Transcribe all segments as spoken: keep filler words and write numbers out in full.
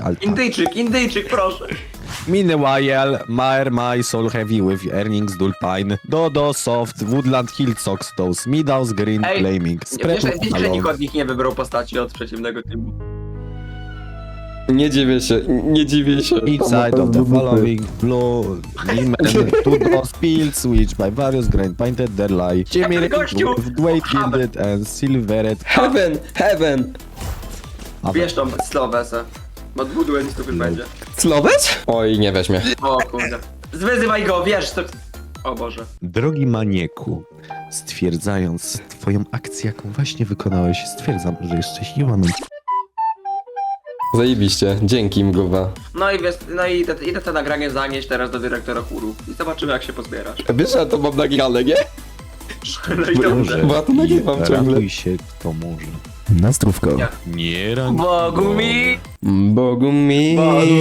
Alta. Indyjczyk, Indyjczyk, proszę. Meanwhile, Maer my soul heavy with earnings dulpine. Dodo soft, woodland hill socks toes, meadows green Ej, flaming. Wiesz, wiesz, że alone. nikt od nich nie wybrał postaci od przeciwnego teamu. Nie dziwię się, nie dziwię się. Inside of the following blue lemon to those pills which by various grain painted their lie. Jimmy gościu! with white gilded and silvered. Heaven, heaven. Wiesz tą slowesę. Bo dwóch duelistów już będzie. Slowiec? Oj, nie weźmie. O kurde. Zwyzywaj go, wiesz to... O Boże. Drogi manieku, stwierdzając twoją akcję, jaką właśnie wykonałeś, stwierdzam, że jest szczęśliwa mi. Zajebiście, dzięki mgłowa. No i wiesz, no i te, idę to nagranie zanieść teraz do dyrektora chóru. I zobaczymy jak się pozbierasz. Wiesz, że ja to mam nagrane, nie? No i dobrze. Bo ja to nagrywam ciągle. Ratuj się, kto może. Na zdrówko. Nie. Nie ran... Bogu mi! Bogu mi,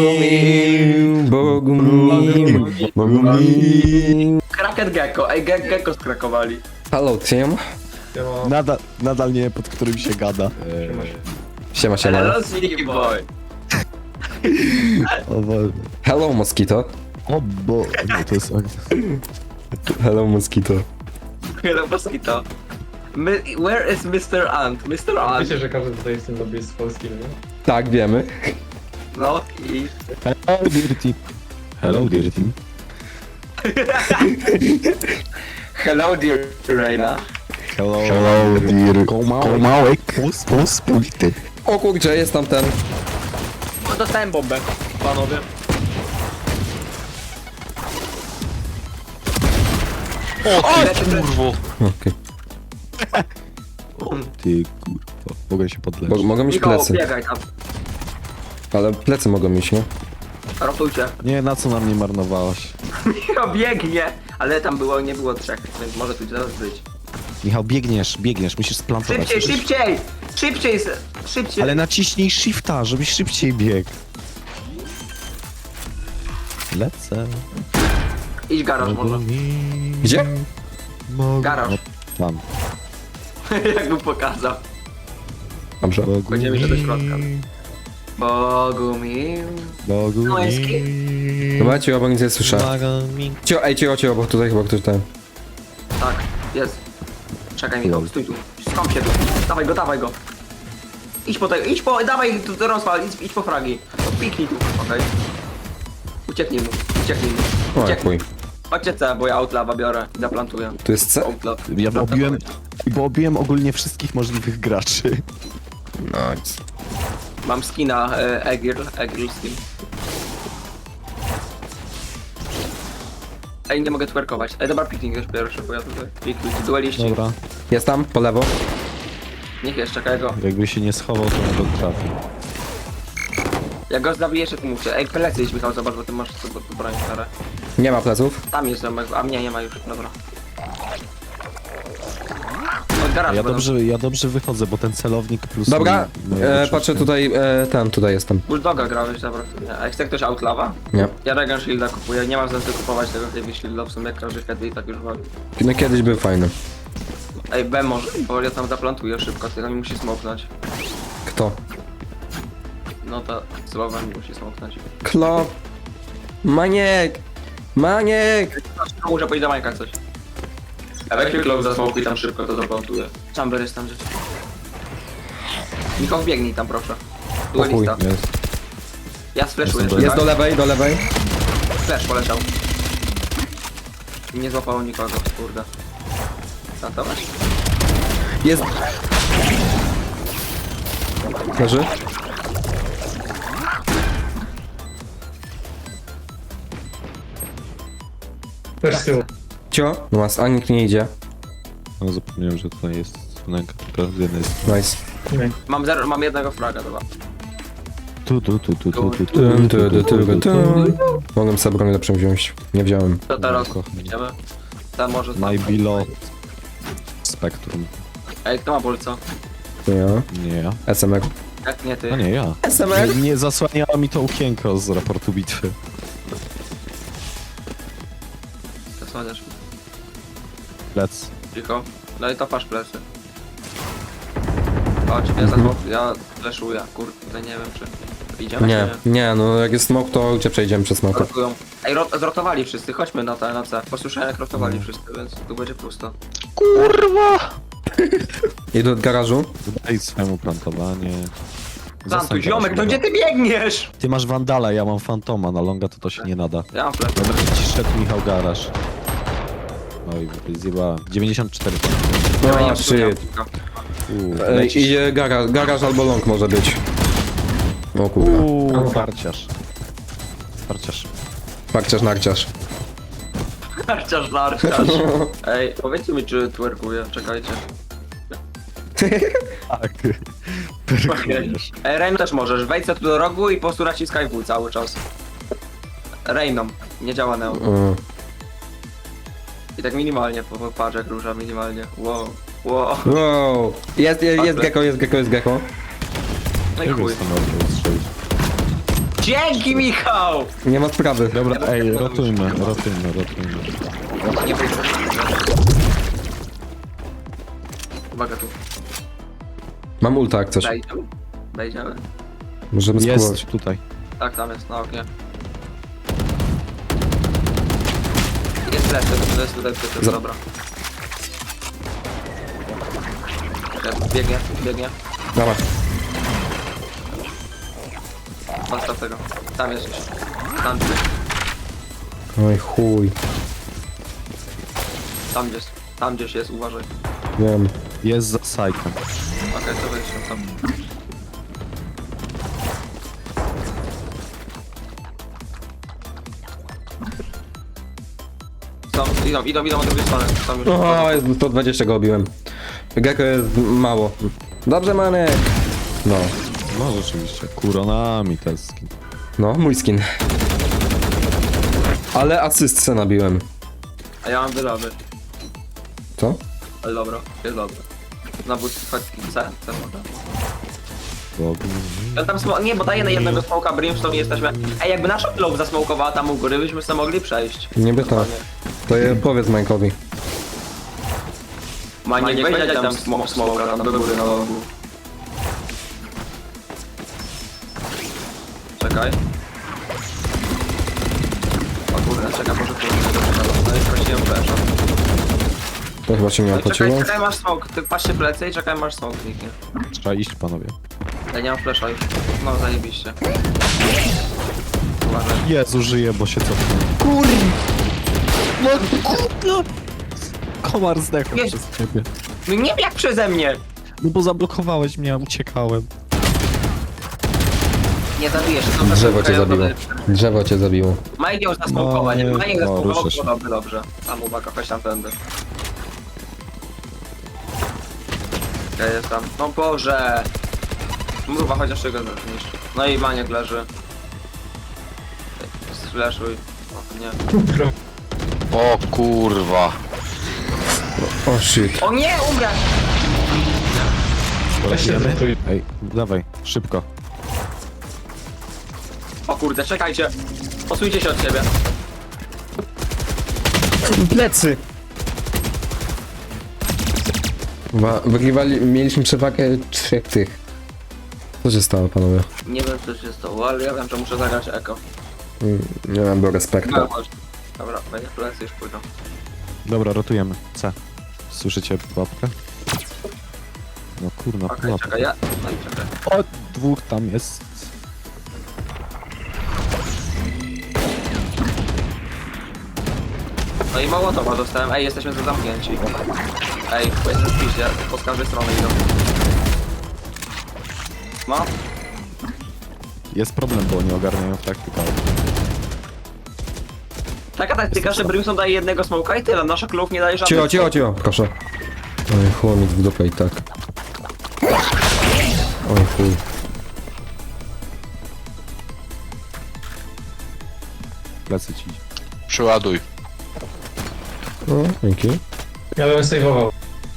Bogu Bogu mi, Bogu mi. Kraken Gecko, ej ge Gecko skrakowali. Hello, team. Nadal, nadal nie wiem, pod którym się gada. Siema, siema. Hello Sneaky Boy. O, bo... Hello, mosquito. o bo... Nie, to jest... Hello, mosquito. Hello Mosquito. My, where is mister Ant? mister Ant. Wiecie, że każdy tutaj w tym lobby jest polskim, nie? Tak, wiemy. No i... Hello, dear team. Hello, dear team. Hello dear Reina. Hello, Hello dear Komałek. Pospolity. O kurczę, jest tam ten. O, dostałem bombę, panowie. O, ty kurwo. Okej. Ty kurwa, mogę się Bo podleczyć. mogą mieć Nikogo, plecy, biegaj tam. ale plecy mogą mieć, nie? Rotujcie. Nie, na co na mnie marnowałaś? Michał biegnie, ale tam było, nie było trzech, więc może tu zaraz być. Michał, biegniesz, biegniesz, musisz splantować. Szybciej, Musisz- szybciej! Szybciej, se- szybciej! Ale naciśnij shifta, żebyś szybciej biegł. Lecę. Idź garaż może. Gdzie? Mogę... Garaż. No, tam. Jak mu pokazał. Dobrze. Bogu Będziemy iść do środka. mi, Bogu mi. Bogu No jest mi, Dobra, cię obok nic nie słyszę. pomaga mi. Cio, ej, cicho, cicho, bo tutaj chyba ktoś ten. Tak, jest. Czekaj Michał, stój tu. Skąd się tu? Dawaj go, dawaj go. Idź po tego, idź po, dawaj tu do rozwal, idź, idź po fragi. To piknij tu, okej. Ucieknij mu, ucieknij mu. O, Ucieknij. chuj. Chodźcie C, bo ja outlawa biorę i zaplantuję. Tu jest C? Outlaw. Ja obiłem, bo obiłem ogólnie wszystkich możliwych graczy. Nice. Mam skina e, Egir, Egir skin. Ej, nie mogę twerkować. Ej, dobra, piknij już pierwszy, bo ja tutaj piknij, ci dueliści. Dobra, Jest tam, po lewo. Niech jeszcze, czekaj go. jakby się nie schował, to nie go trafi. Jak go zabiję, jeszcze tu mówcie. Ej, plecy idź Michał, zobacz, bo ty masz sobie broń stare. Nie ma pleców. Tam jest ziomek, a mnie nie ma już, dobra. Od garażu Ja będą. dobrze, ja dobrze wychodzę, bo ten celownik plus... Dobra, mój- mój e, obrzutek. patrzę tutaj, e, ten, tutaj jestem. Bulldoga grałeś, dobra. Nie. A chce ktoś outlawa? Nie. Ja Regan Shielda kupuję, nie mam sensu kupować tego Heavy Shielda, w sumie każdy wtedy i tak już wali. No kiedyś był fajny. Ej, B może, bo ja tam zaplantuję szybko, tylko mi musi smoknąć. Kto? No to słowa mi musi smoknąć. Klop. Maniek! Maniek! Muszę pójść do Majka coś. A weź mi klop za smokuj tam szybko, to zaplantuję. Chamber jest tam rzecz. Michał, biegnij tam proszę. O chuj, Duelista. Jest. Ja splashuję. Jestem Jest do lewej, do lewej. Flash poleciał. I nie złapało nikogo, kurde. Plantować? Jest. Leży? Też z tyłu. Cio? No mas, a nikt nie idzie. No zapomniałem, że tutaj jest wnęka, tylko z jednej strony. Nice. Nie. Mam zero, mam jednego fraga, dobra. Tu, tu, tu, tu, tu, tu, tu, Tu, tu, tu, tu, tu, tu. Mogłem sobie broń lepszą wziąć. Nie wziąłem. To teraz Kocham. idziemy. Tam może... My below Spectrum. Ej, kto ma bolca? To ja. Nie ja. S M R. Jak nie ty? A nie ja. S M R? Nie, nie zasłaniało mi to okienko z raportu bitwy. Zasłaniasz. Lec. Cicho. No i to pasz plecy. Chodź, ja za ja fleszuję, kurde, nie wiem czy... Idziemy Nie, czy nie, no jak jest smok, to gdzie przejdziemy przez smoka? Rotują. Ej, rot zrotowali wszyscy, chodźmy na te, na C. Posłyszałem jak rotowali wszyscy, więc tu będzie pusto. Kurwa! Idę do garażu. Daj swemu plantowanie. Plantuj, Zostań ziomek, no teraz, gdzie ty biegniesz? Ty masz Wandala, ja mam Fantoma, na longa to to się nie nada. Ja mam flash. Dobra, ci szedł Michał Garaż. Oj, zjebałem. dziewięćdziesiąt cztery. O, shit. Uuu, Ej, lecisz. idzie garaż, garaż albo long może być. O kurwa. Uuu, farciarz. Farciarz. Parciarz, narciarz. Narciarz, narciarz. Ej, powiedzcie mi, czy twerkuję, czekajcie. Tak. Perkujesz. Ej, Rain też możesz, wejdź sobie tu do rogu i po prostu naciskaj W cały czas. Rainom, nie działa Neo. O. I tak minimalnie, po- po- patrz jak rusza minimalnie. Wow, wow. Wow. Jest, jest, jest gecko, jest gecko, jest gecko. No i Jak chuj. jest to można strzelić? Dzięki, Michał! Nie ma sprawy. Dobra, ej, rotujmy, rotujmy, rotujmy. Nie wyjdę. Uwaga tu. Mam ulta jak coś. Wejdziemy. Wejdziemy. Możemy spróbować. Jest tutaj. Tak, tam jest, na oknie. Jest lepszy, to jest tutaj, to jest Za- dobra. Czekaj, Biegnie, biegnie. Dobra. Postaw tego. Tam jest gdzieś. Tam gdzieś. Oj chuj. Tam gdzieś. Tam gdzieś jest, uważaj. Wiem. Jest za sajtem. Okej, to wejdź się tam. Są, idą, idą, idą od drugiej strony. Są już. O, sto dwadzieścia go obiłem. Gecko jest mało. Dobrze, Manek. No. No rzeczywiście, kuronami ten skin. No, mój skin. Ale asystce nabiłem. A ja mam wylowy. Co? Ale dobra, jest dobra. Na bóstwo C, C może. Bogu. Ja tam smo- nie, bo daje na jednego smoka Brimstone i jesteśmy... Ej, jakby nasza glow zasmokowała tam u góry, byśmy sobie mogli przejść. Niby to. To je powiedz Mańkowi. Maniek, weź tam smo- smoka, tam do góry na logu. Czekaj. O kurde, czekaj, może tu no i prosiłem flasha. To chyba się nie No i czekaj, opłaciło. czekaj, masz smok, ty patrzcie plecy i czekaj, masz smok kliknie. Trzeba iść, panowie. Ja nie mam flasha już. No, zajebiście. Uważaj. Jezu, żyję, bo się cofnę. Kur... No kurde! Komar zdechł Jest. przez ciebie. No nie jak przeze mnie! No bo zablokowałeś mnie, uciekałem. Nie zabijesz, to dobrze. Drzewo cię zabiło. Drzewo cię zabiło. Majek ją zasmokować, No, nie. Majek No, zasmokował, ruszę się. to dobrze, dobrze. Tam uwaga, chodź tam tędy. Ja jestem. No Boże! Mruwa, chociaż czego zniszcz. No i Maniek leży. Slashuj. O nie. O kurwa. O shit. O nie, umrę! Weź się Porozmawiamy? zrotuj. Ej, dawaj, szybko. O kurde, czekajcie. Posuńcie się od siebie. Plecy! Chyba wygrywali, mieliśmy przewagę trzech tych. Co się stało, panowie? Nie wiem co się stało, ale ja wiem, że muszę zagrać eko. Mm, Nie mam do respektu. No, chodź. Dobra, będzie plecy już pójdą. Dobra, rotujemy. C. Słyszycie pułapkę? No kurna, Okej, pułapka. czekaj, ja... No i czekaj. O, dwóch tam jest. No i Mołotowa dostałem. Ej, jesteśmy tu zamknięci. Ej, jest spiście, po z każdej strony idą. No, Jest problem, bo nie ogarniają taktyka. taka taktyka, że Brimstone daje jednego smoka i tyle, nasza klub nie daje żadnego. Cicho, cicho, cicho, proszę. Oj, chłomik w dupę i tak. Oj, chuj. Plecy ci. Przeładuj. No, dzięki. Ja bym saveował.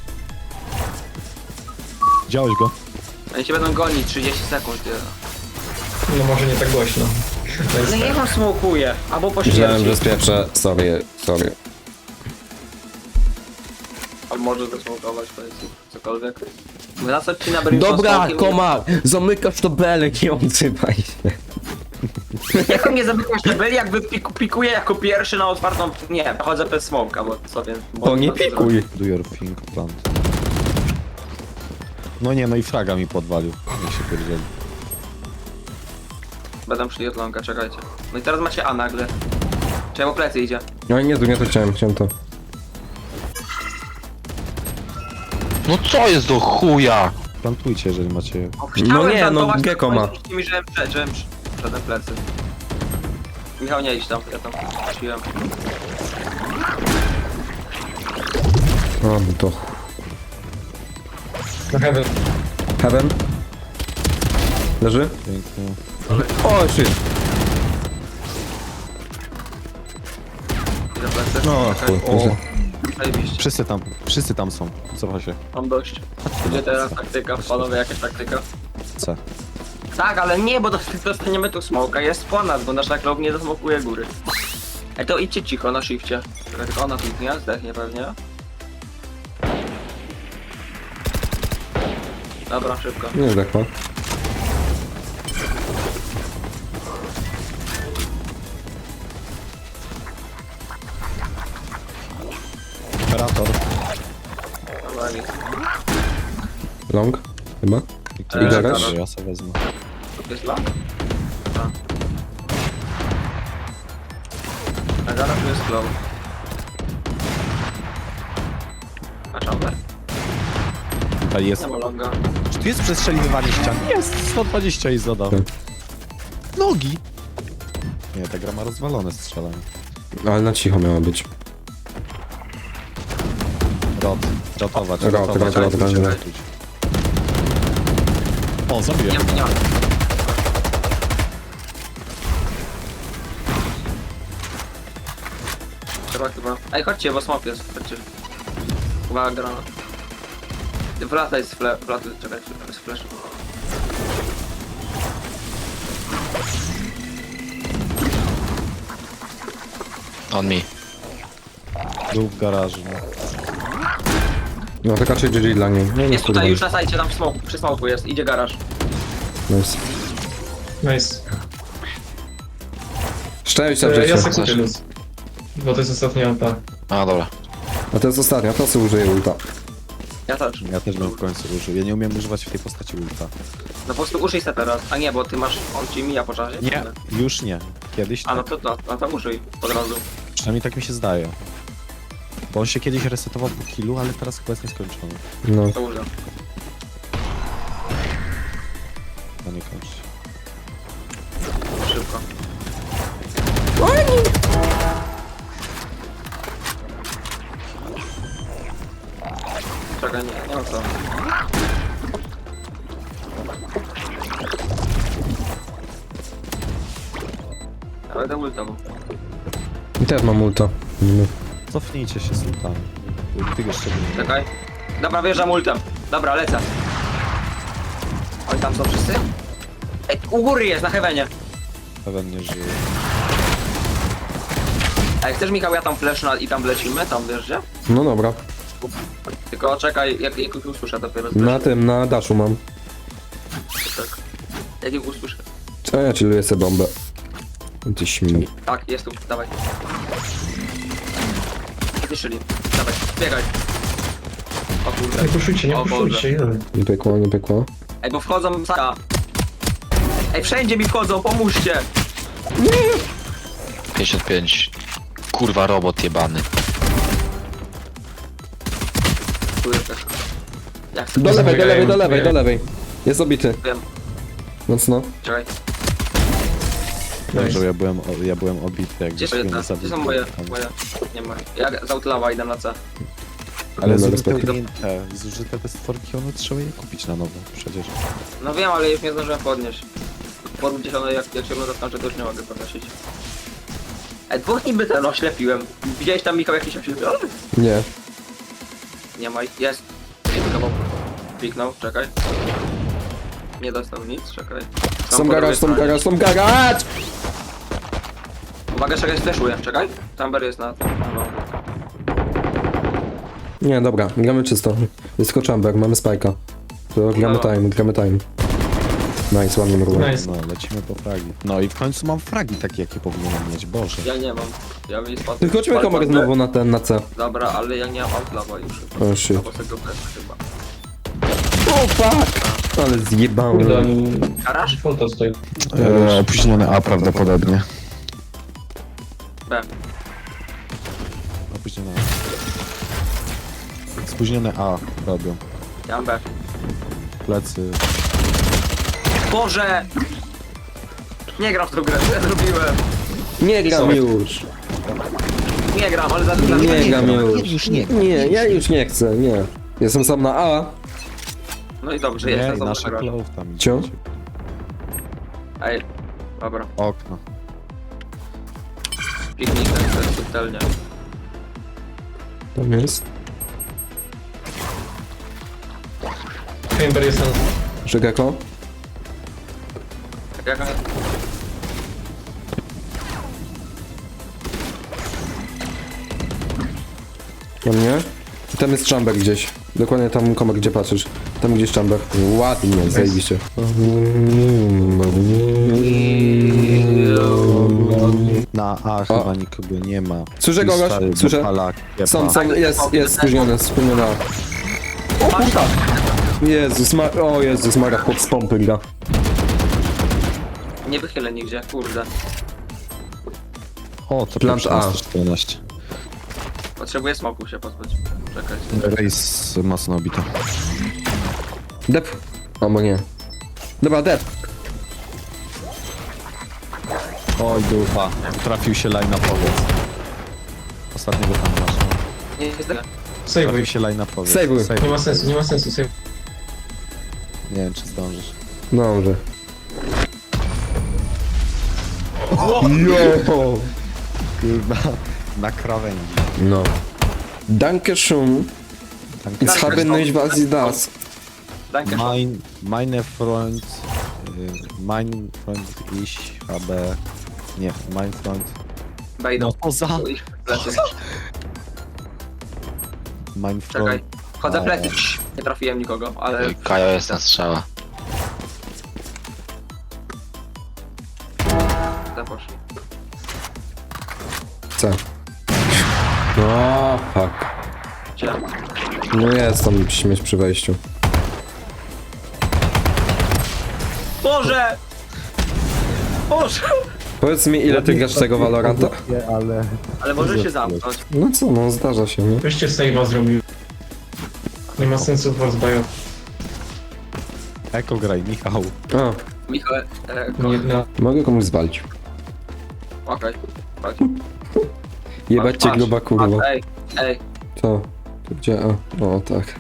Widziałeś go? Oni cię będą gonić trzydzieści sekund. Tyle. No może nie tak głośno. No niech on smokuje, albo po Myślałem, śmierci. że spieprzę. Sorry, sorry. Albo może zasmokować, powiedzmy, cokolwiek. Na co ci na Brimstone Dobra, smokiem- komar! Zamykasz to belek i odzywaj się. Jak on nie zamykasz te byli, jakby piku, pikuje jako pierwszy na otwartą... Nie, chodzę bez smoka, bo sobie... Bo To nie pikuj. Do your thing, plant. No nie, no i fraga mi podwalił. Jak się pierdzieli. Będę szli od longa, czekajcie. No i teraz macie A nagle. Czemu plecy idzie? No nie, tu nie to chciałem, chciałem to. No co jest do chuja? Plantujcie, jeżeli macie... O, No chciałem nie, no, plantować, Gecko tylko ma. powiedzieliście mi, żebym przed, żebym przed plecy. Michał, nie idź tam, ja tam wróciłem. O, no to... Na heaven. Heaven? Leży? Pięknie. O, shit. Idę plecy. No, Czekaj. chuj. O, Zajebiście. wszyscy tam, wszyscy tam są. Cofa się. Mam dość. Gdzie teraz taktyka? Panowie, jakaś taktyka? C. Tak, ale nie, bo dost- dostaniemy tu smoka, jest po nas, bo nasza klub nie zasmokuje góry. Ej, to idźcie cicho na shifcie. Czekaj, tylko ona kliknie, zdechnie pewnie. Dobra, szybko. Nie zdechła. Operator. Dobra, nic. Long? Chyba? I garaż? Ja sobie wezmę. To jest lag? A. A zaraz tu jest glow. A chamber? Tutaj jest... Nie ma longa. Czy tu jest przestrzeliwanie ścian? Jest! sto dwadzieścia i zadał. Tak. Nogi! Nie, ta gra ma rozwalone strzelanie. Ale na cicho miała być. Rot. Rotować, Rot, rotować. rot, rot, rotujcie, rot. rotujcie. O, zabiłem. Nie, nie ma. Trzeba chyba... Ej, chodźcie, bo smok jest, chodźcie. Uwaga, granat. Wracaj z fle... Wracaj, czekaj, z flash. On mi. Był w garażu. No. No to raczej G G dla niej. No, nie Jest tutaj już na sajcie, tam w smoku, przy smoku jest, idzie garaż. Nice. Nice. Szczęścia E, w ja życiu. se kupię luz. Bo to jest ostatnia ta. A dobra. A to jest ostatnia, to sobie użyję ulta. Ja też. Ja też bym w końcu użył. Ja nie umiem używać w tej postaci ulta. No po prostu użyj se teraz. A nie, bo ty masz... On ci mija po czasie? Nie, już nie. Kiedyś A no tak. to, no, no to użyj od razu. Przynajmniej tak mi się zdaje. Bo on się kiedyś resetował po killu, ale teraz chyba jest nieskończony. No. To użyj. To nie kończy się. Szybko. Czekaj, nie, nie ma co. Ja będę ultał. I teraz mam ulta. No. Cofnijcie się z ultami. Ty jeszcze nie. Czekaj. Dobra, wjeżdżam ultem. Dobra, lecę. Oni tam są wszyscy? Ej, u góry jest, na heavenie. Pewnie nie żyje. Ej, chcesz Michał, ja tam flash na, i tam lecimy, tam wiesz gdzie? No dobra. Tylko czekaj, jak, jak ich usłyszę dopiero. Na tym, na daszu mam. Tak. Jak ich usłyszę. A ja chilluję sobie bombę. Ty śmi. Tak, jest tu, dawaj. Zniszczyli. Dawaj, biegaj. O kurde. Nie puszujcie, nie O Boże. puszujcie. ile? Nie pykło, nie pykło. Ej, bo wchodzą saka. Ej, wszędzie mi wchodzą, pomóżcie. pięćdziesiąt pięć. Kurwa robot jebany. Tu jest też. Jak chcę. Do lewej, do lewej, do lewej, Nie. do lewej. Jest obity. Wiem, Mocno. czekaj. Dobrze, ja byłem, o- ja byłem obity, jak Gdzie to gdzieś jest? mnie Gdzie są zabił. moje? Moje. Nie ma. Ja z outlawa idę na C. Ale No, zużyte, respekt. te, zużyte te stworki, one trzeba je kupić na nowo przecież. No wiem, ale już nie zdążyłem podnieść. Pod gdzieś one, jak, jak się dotknę, to już nie mogę podnosić. Ej, dwóch niby ten oślepiłem. Widziałeś tam, Michał, jakiś oślepiony? Nie. Nie ma ich. Jest. Kliknął. Kliknął, czekaj. Nie dostał nic, czekaj. Są Są po garaż, drugiej są stronie. garaż, są garaż! Uwaga, czekaj, fleszuję, czekaj. Tamber jest na tym. No. Nie, dobra, gramy czysto. Jest tylko chamber, mamy spajka. to gramy No. time, gramy time. Nice, ładnie mrugłem. Nice. No, lecimy po fragi. No i w końcu mam fragi takie, jakie powinienem mieć, Boże. Ja nie mam. Ja bym nie spadł. Ty chodźmy komar znowu na ten, na C. Dobra, ale ja nie mam outlawa już. O shit. Albo tego bez chyba. O fuck! Ale Kurde, zjebałem. oni... Garaż? Fulto stoi. E, opóźnione A prawdopodobnie. B. Opóźnione A. Spóźnione A robią. Ja mam B. Plecy. Boże! Nie gram w tą grę, co ja zrobiłem? Nie gram Sorry. już. Nie gram, ale za za- Nie gram już. Już nie. Nie, ja już nie chcę, nie. Jestem sam na A. No i dobrze, Nie, jestem i za nasza grę. clove tam Cio? idzie. Ej, dobra. Okno. Piknik, to jest subtelnie. Tam jest. Chamber jest na... Żegako? Jak Na mnie? I tam jest chamber gdzieś. Dokładnie tam komar, gdzie patrzysz. Tam gdzieś chamber. Ładnie, zajebiście. Na A chyba nikogo nie ma. Słyszę I kogoś, stary słyszę. dopala kiepa. Są, są, jest, jest spóźnione, spóźnione. O kurwa! Jezus, ma... o Jezus, Mara, chłop z pompy gra. Nie wychylę nigdzie, kurde. O, to Plant A. sto czternaście. Potrzebuję smoku się pozbyć. Czekaj. Rejs mocno obito. Dep. Albo nie. Dobra, dep. Oj, dupa. Trafił się line na powiedz. Ostatniego tam masz. no. Nie, nie zdechnę. Sejwuj. Trafił się line na powiedz. Sejwuj. Nie ma sensu, nie ma sensu, sejwuj. Nie wiem, czy zdążysz. Dobrze. Jo! Kurwa, na krawędzi. No. Danke schön. Danke. Ich habe nicht was Sie das. Danke. Mein, meine Freund, y, mein Freund, ich habe, nie, mein Freund, Wejdą. no poza, Ich plecy. mein Czekaj. Freund, Chodzę plecy. Nie trafiłem nikogo, ale... Kajo jest na strzała. Te poszli. C. O, fuck. Gdzie? No jest tam śmieć przy wejściu. Boże! Boże! Powiedz mi, ile ty grasz tego Valoranta? ale Ale może się zamknąć. No co, no zdarza się, nie? Weźcie save'a zrobił. Nie ma sensu was bają. Eko graj, Michał. A, Michał, e, Nie, no. mogę komuś zwalić. okej. Chodź. Jebać cię Patrz, gruba kurwa. patrz, Ej, ej. To, to gdzie? A, o tak.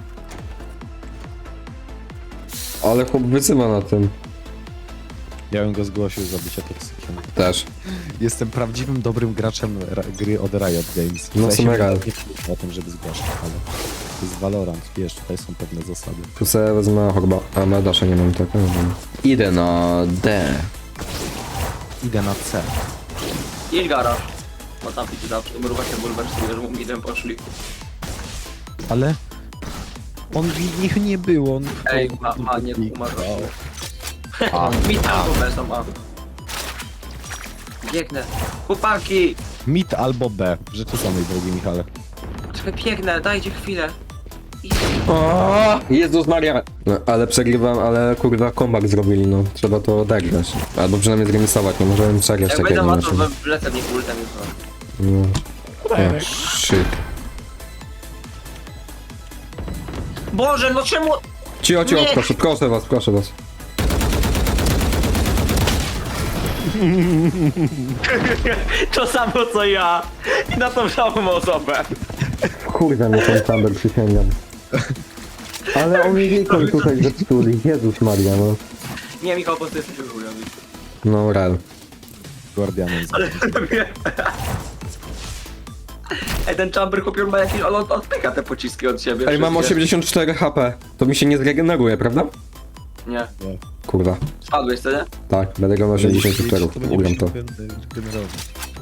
Ale chłop wyzywa na tym. Ja bym go zgłosił za bycie toksykiem. Też. Jestem prawdziwym, dobrym graczem ra- gry od Riot Games. No, W sensie są real. nie myślę o tym, żeby zgłaszać, ale to jest Valorant, wiesz, tutaj są pewne zasady. Tu sobie wezmę chyba. A na dasza nie mam tak. no, no. Idę na D. Idę na C. Idź garaż. Bo tam idzie zawsze. Mruwa się bulwersuje, że mu midem poszli. Ale on ich nie było. On Ej, ma, ma, nie umarł. A, Mid albo B są A. Biegnę. Chłopaki! mid albo B. W rzeczy samej, drogi Michale. Czekaj, biegnę, dajcie chwilę. I... O, Jezus Maria! No, ale przegrywam, ale kurwa comeback zrobili, no. Trzeba to odegrać. Albo przynajmniej zremisować, nie możemy przegrać Jak takiego będę ma to meczu. wlecę mnie ultem jutro. No. O, shit. Boże, no czemu... Cio, cio, Nie. proszę, proszę was, proszę was. To samo co ja. I na tą samą osobę. Kurde, mnie ten Thunder przysięgam. Ale oni wiedzą tutaj zepsuli, Jezus Maria, no. Nie, Michał, po prostu jesteś chujowy. No, real. Guardianem. za- Ej, ten chamber chłopior ma jakieś... On od- odpycha te pociski od siebie. Ej, mam wszystkie. osiemdziesiąt cztery H P. To mi się nie zregeneruje, prawda? Nie. Kurwa. Spadłeś, co nie? Tak, będę grał na osiemdziesiąt cztery. Ugram to. Generować.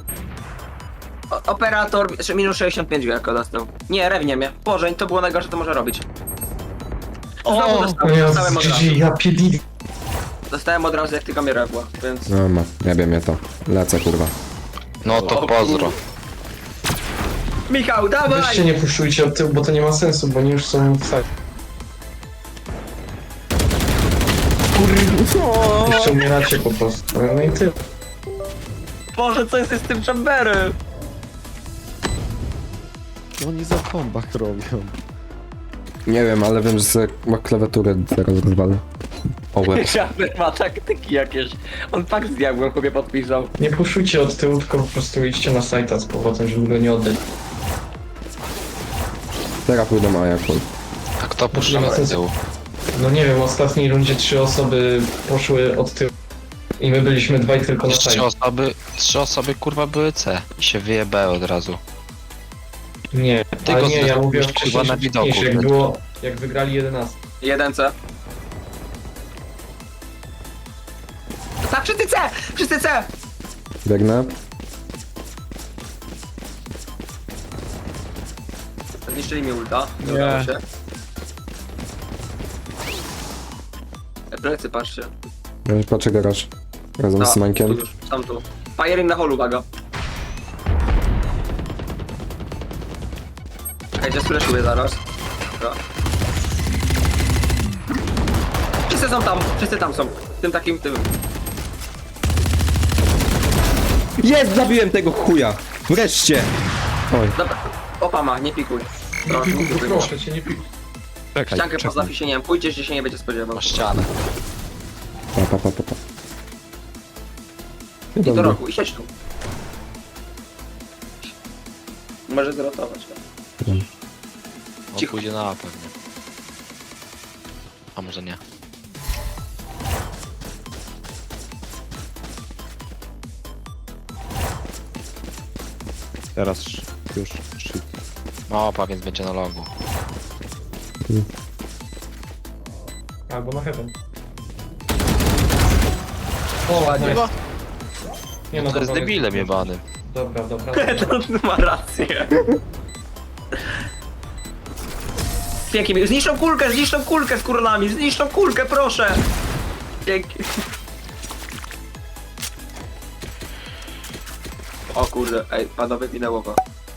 O, operator jeszcze minus sześćdziesiąt pięć jako dostał. Nie, rewnie mnie. Boże, to było najgorsze, co może robić. Znowu O dostałem, Jezus, dostałem od razu. G G, ja pierdolę. Dostałem od razu jak tylko mnie była, więc... No ma, nie wiem mnie to. Lecę kurwa. No to pozdro. Michał, dawaj! Weźcie nie puszczujcie od tyłu, bo to nie ma sensu, bo oni już są w sali. Jeszcze umieracie po prostu. No i tyle. Boże, co jest z tym chamberem? Co oni za kombach robią? Nie wiem, ale wiem, że sobie ma klawiaturę zaraz rozwalę. O łeb. Chamber ma taktyki jakieś. On pak z diabłem chłopie podpisał. Nie puszujcie od tyłu, tylko po prostu idźcie na sajta z powrotem, żeby go nie oddać. Teraz pójdą A jak chuj. A kto Nie puszcza ma na sensu. tył? No nie wiem, w ostatniej rundzie trzy osoby poszły od tyłu. I my byliśmy dwaj tylko na Trzy sajcie. osoby, trzy osoby kurwa były C. I się wyjebały od razu. Nie, Ty ale go nie, ja zrobiłeś, mówię o kurwa, wcześniejszym na widoku. wcześniejszym, jak było, jak wygrali jedenaście. Jeden C. Tak, wszyscy C! Wszyscy C! Biegnę. Zniszczyli mi ulta. Nie Nie. udało się. Plecy, patrzcie. Ja już patrzę garaż. Razem z tu Mańkiem. już, tam tu. Firing na holu, uwaga. Czekajcie, spreszuję zaraz. Dobra. Wszyscy są tam, wszyscy tam są. W tym takim, tym. Jest! Zabiłem tego chuja! Wreszcie! Oj. Dobra, opa ma, nie pikuj. Nie Proszę, pikuj, pikuj. proszę cię, nie pikuj. Czekaj, Ściankę czekaj. poza fiesieniem, pójdziesz, gdzie się nie będzie spodziewał. O ścianę. Pa, pa, pa, pa, pa. I do Dobra. roku, i siedź tu. Może zrotować. tak? On Cicho. pójdzie na A pewnie. A może nie. Teraz sz- już shit. Małpa, więc będzie na logu. Albo na heaven. O, nice. Nie no, To jest dobra, debilem jebanym. Dobra, dobra. dobra. To ma rację. Pięknie, zniszczą kulkę, zniszczą kulkę z kurnami, zniszczą kulkę, proszę! Pięknie. O kurde, ej, panowie minęło go.